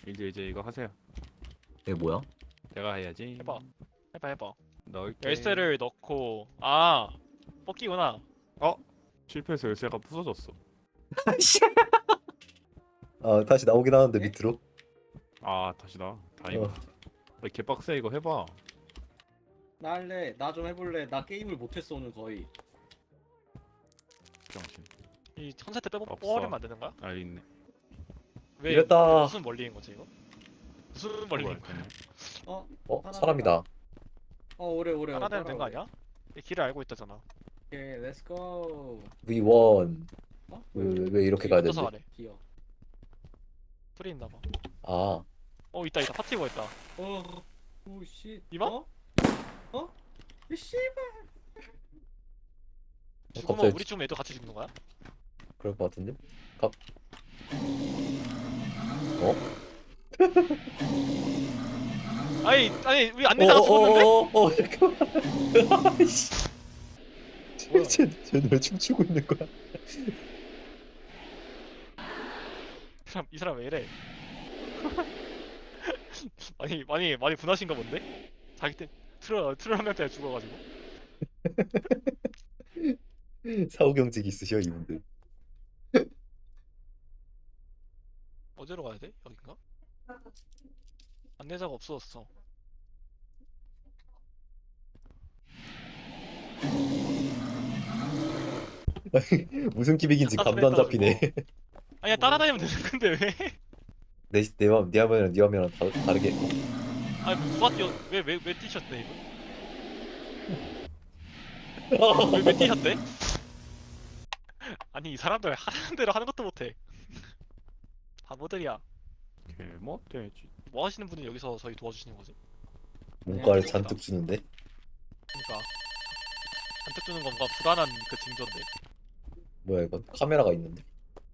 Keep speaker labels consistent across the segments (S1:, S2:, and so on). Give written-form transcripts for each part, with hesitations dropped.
S1: 이제 이거 하세요.
S2: 이게 뭐야?
S1: 내가 해야지.
S3: 해봐.
S1: 넣을게.
S3: 열쇠를 넣고 뽑기구나.
S1: 실패해서 열쇠가 부서졌어.
S2: 아 다시 나오긴 하는데 밑으로.
S1: 아 다시다. 다행이다. 개빡세 이거 해봐.
S4: 나 할래. 나 좀 해볼래. 나 게임을 못했어 오늘 거의.
S1: 병신.
S3: 이 컨셉트
S1: 없어.
S3: 뽑아버리면 안 되는 거야?
S1: 아 있네.
S3: 왜
S2: 이랬다.
S3: 무슨 원리인 거지 이거? 무슨 원리인 거야?
S2: 사람이다.
S4: 오래.
S3: 따라다니면 되는 거 아니야? 이 길을 알고 있다잖아.
S4: 오케이, 렛츠고.
S2: V1.
S4: 어?
S2: 왜 이렇게 가야
S3: 어디서
S2: 되는데?
S3: 가래?
S4: 기어.
S3: 풀이 있나 봐.
S2: 아
S3: 있다. 파티버 있다.
S4: 오 씨.
S3: 이봐?
S4: 이 씨발.
S3: 죽으면
S2: 갑자기
S3: 우리 죽으면 얘도 같이 죽는 거야?
S2: 그럴 것 같은데?
S3: 아니 우리 안내자가 죽었는데?
S2: 잠깐만. 쟤는 왜 춤추고 있는 거야?
S3: 이 사람 왜 이래? 많이 분하신가 본데? 자기 때 트롤 한 명 때문에 죽어가지고.
S2: 사후경직이 있으셔 이분들.
S3: 어디로 가야 돼? 여긴가? 안내자가 없어졌어.
S2: 무슨 기믹인지 감도 안 잡히네.
S3: 아니야 따라다니면 되는 건데 왜?
S2: 네 화면이랑 네 화면이랑 다르게.
S3: 아니 누가 뛰어? 왜 뛰셨대 이분? 왜 뛰셨대? 아니 이 사람들 하는 대로 하는 것도 못해. 바보들이야.
S1: 개못되지.
S3: 뭐 하시는 분이 여기서 저희 도와주시는 거지?
S2: 문과를 잔뜩 주는데.
S3: 그러니까 잔뜩 주는 건 뭔가 불안한 그 징조인데.
S2: 뭐야 이거 카메라가 있는데.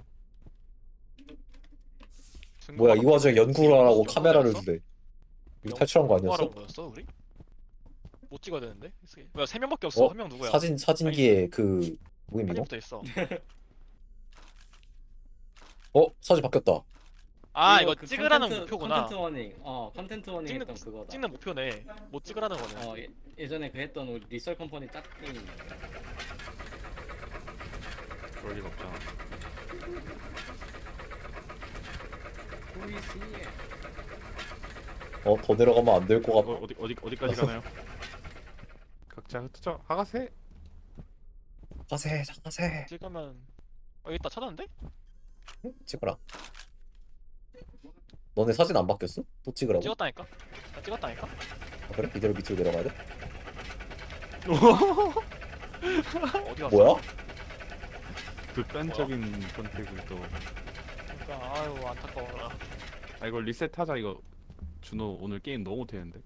S3: 증거가
S2: 뭐야 이 와중에 연구를 하라고
S3: 좀
S2: 카메라를
S3: 거였어?
S2: 주래. 이거 탈출한 거 아니었어?
S3: 뭐하라는 거였어 우리? 못 찍어야 되는데? 뭐야 3명밖에 없어. 한 명 누구야?
S2: 사진기에 그 뭐임 이거?
S3: 사진부터 있어.
S2: 사진 바뀌었다.
S3: 이거
S4: 그
S3: 찍으라는
S4: 컨텐츠-
S3: 목표구나.
S4: 컨텐츠 워닝. 컨텐츠 워닝
S3: 찍는-
S4: 했던 그거다.
S3: 찍는 목표네. 못 찍으라는 거네.
S4: 예전에 그 했던 우리 리썰 컴퍼니 짝 게임.
S1: 그럴 리가 없잖아.
S4: 보이시.
S2: 더 내려가면 안 될 것 같아.
S1: 어디까지 가나요? 각자 흩어져. 하가세.
S2: 가세.
S3: 찍으면 여기 있다 찾았는데?
S2: 찍어라. 너네 사진 안 바뀌었어? 또 찍으라고?
S3: 찍었다니까? 나 찍었다니까?
S2: 그래? 이대로 밑으로 내려가야 돼?
S3: 어디 갔어?
S2: 뭐야?
S1: 극단적인 선택을 또.
S3: 그러니까 아유 안타까워라.
S1: 이거 리셋하자 이거. 준호 오늘 게임 너무 못했는데.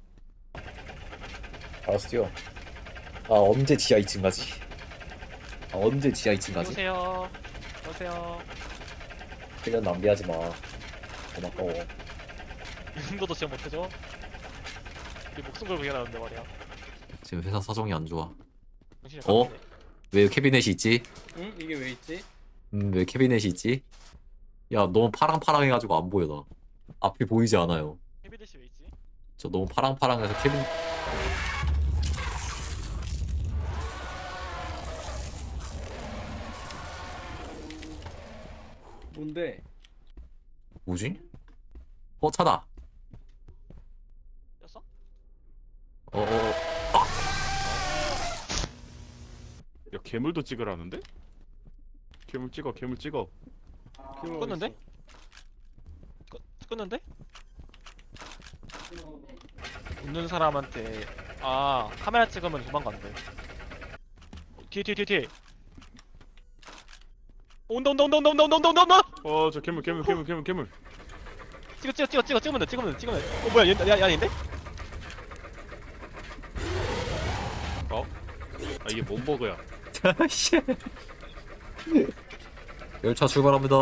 S2: 알았어 뛰어. 언제 지하 2층 가지? 언제 지하 2층 가지?
S3: 여보세요.
S2: 시간 낭비하지 마. 너무 아까워.
S3: 이 정도도 진짜 못해줘? 우리 목숨 걸고 일하는데 말이야.
S2: 지금 회사 사정이 안 좋아.
S3: 정신이
S2: 어?
S3: 나갔네.
S2: 왜 캐비넷이 있지?
S4: 응? 이게 왜 있지?
S2: 왜 캐비넷이 있지? 야 너무 파랑파랑해가지고 안 보여 나. 앞이 보이지 않아요.
S3: 헤비데시 왜 있지?
S2: 저 너무 파랑파랑해서 캐빈.
S4: 뭔데?
S2: 뭐지? 차다.
S3: 였어?
S1: 야 괴물도 찍으라는데? 괴물 찍어.
S3: 껐는데? 껐는데? 웃는 사람한테 카메라 찍으면 도망간대. 뒤에 온다.
S1: 저 괴물.
S3: 찍으면 돼. 뭐야 얘 아닌데?
S1: 이게 뭔 버그야?
S2: 씨. 열차 출발합니다.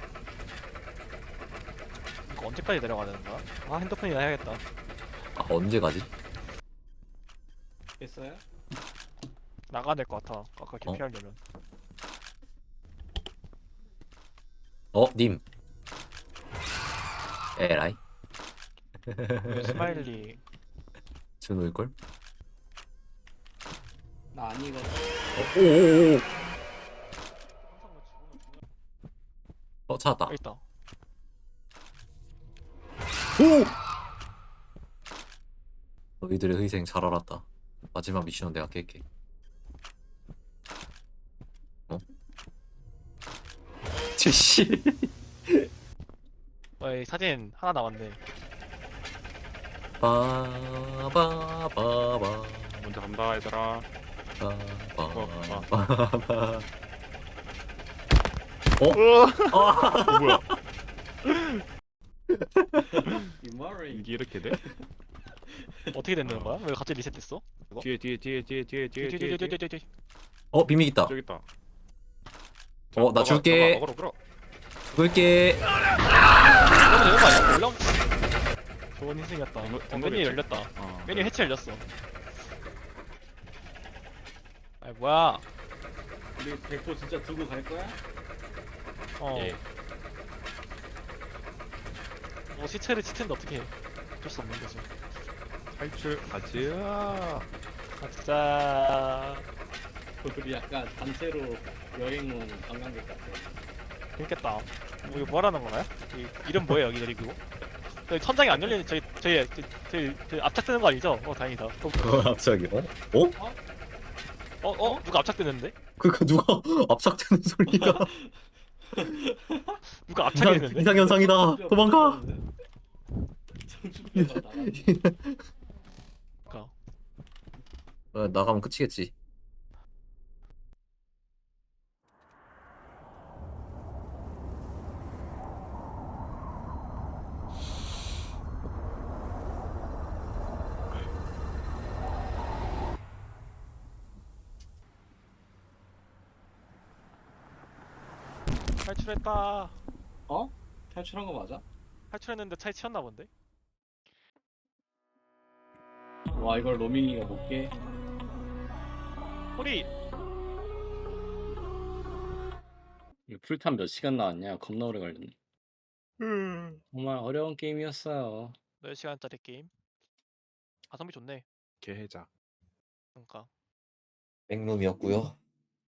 S3: 이거 언제까지 내려가는 거야? 핸드폰이나 해야겠다.
S2: 언제 가지?
S4: 됐어요?
S3: 나가야 될 것 같아. 아까 개피하려면.
S2: 님. 에라이.
S3: 스마일리.
S2: 준호일걸?
S4: 나 아니거든.
S2: 오오오.
S3: 항상 뭐 죽으면
S2: 찾았다.
S3: 여기 있다.
S2: 오! 너희들의 희생 잘 알았다. 마지막 미션은 내가 깰게. 어? 쟤씨.
S3: 이 사진 하나 남았네.
S2: 빠바바바.
S1: 먼저 간다 얘들아.
S2: 빠바바바.
S1: 뭐야?
S4: 이 말이
S1: 이게 이렇게 돼?
S3: 어떻게 되는 거야? 왜 갑자기 리셋됐어? 이거?
S1: 뒤에
S3: 뒤.
S2: 비밀 있다.
S1: 저기 있다.
S2: 나 줄게.
S1: 먹어.
S2: 줄게.
S3: 그러면 되는 거 아니야? 올라오. 좋은 희생이었다.
S1: 된
S3: 메뉴
S1: 거겠지?
S3: 열렸다.
S1: 어.
S3: 메뉴 해체 열렸어. 아이 뭐야?
S4: 우리 백호 진짜 두고 갈 거야?
S1: 예.
S3: 시체를 치트인데 어떻게 해? 어쩔 수 없는 거지.
S1: 탈출 가자.
S3: 가자.
S4: 우리 약간 단체로 여행 온 관광객 같아.
S3: 재밌겠다. 뭐 이거 뭐라는 건가요? 이름 뭐예요 여기 그리고? 저희 천장이 안 열리는 저희 압착되는 거 아니죠? 다행이다.
S2: 갑자기
S3: 누가 압착되는데?
S2: 그니까 누가 압삭되는 소리가
S3: 누가 압착했는데?
S2: 이상 현상이다. 도망가.
S4: 청춘배가 나가.
S3: 그러니까.
S2: 나가면 끝이겠지.
S3: 탈출했다.
S4: 어? 탈출한 거 맞아?
S3: 탈출했는데 차에 치였나 본데?
S4: 와 이걸 로밍이가 못 깨.
S3: 호리.
S4: 이거 풀탐 몇 시간 나왔냐? 겁나 오래 걸렸네. 정말 어려운 게임이었어요.
S3: 4시간짜리 게임. 가성비 좋네.
S1: 개해자.
S3: 그러니까.
S2: 백룸이었고요.